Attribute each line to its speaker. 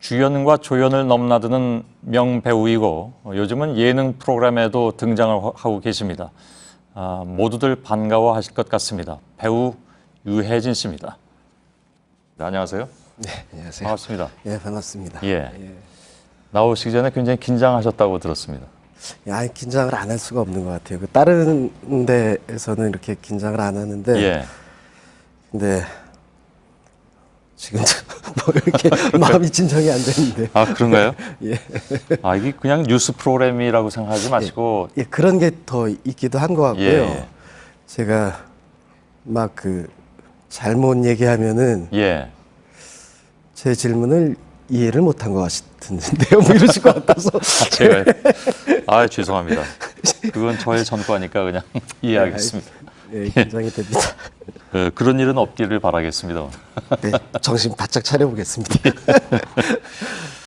Speaker 1: 주연과 조연을 넘나드는 명배우이고 요즘은 예능 프로그램에도 등장을 하고 계십니다. 모두들 반가워하실 것 같습니다. 배우 유해진 씨입니다. 네, 안녕하세요.
Speaker 2: 네, 안녕하세요.
Speaker 1: 반갑습니다.
Speaker 2: 예, 반갑습니다.
Speaker 1: 예. 나오시기 전에 굉장히 긴장하셨다고 들었습니다.
Speaker 2: 아니, 긴장을 안 할 수가 없는 것 같아요. 그 다른 데에서는 이렇게 긴장을 안 하는데,
Speaker 1: 예.
Speaker 2: 근데 지금 뭐 이렇게 마음이 진정이 안 되는데.
Speaker 1: 아, 그런가요?
Speaker 2: 예.
Speaker 1: 이게 그냥 뉴스 프로그램이라고 생각하지 마시고
Speaker 2: 예, 그런 게 더 있기도 한 것 같고요.
Speaker 1: 예.
Speaker 2: 제가 막 그 잘못 얘기하면은
Speaker 1: 예.
Speaker 2: 제 질문을 이해를 못한 것 같은데요. 뭐 이러실 것 같아서.
Speaker 1: 제가 죄송합니다. 그건 저의 전과니까 그냥 이해하겠습니다.
Speaker 2: 예, 긴장이 됩니다.
Speaker 1: 그런 일은 없기를 바라겠습니다.
Speaker 2: 네, 정신 바짝 차려보겠습니다.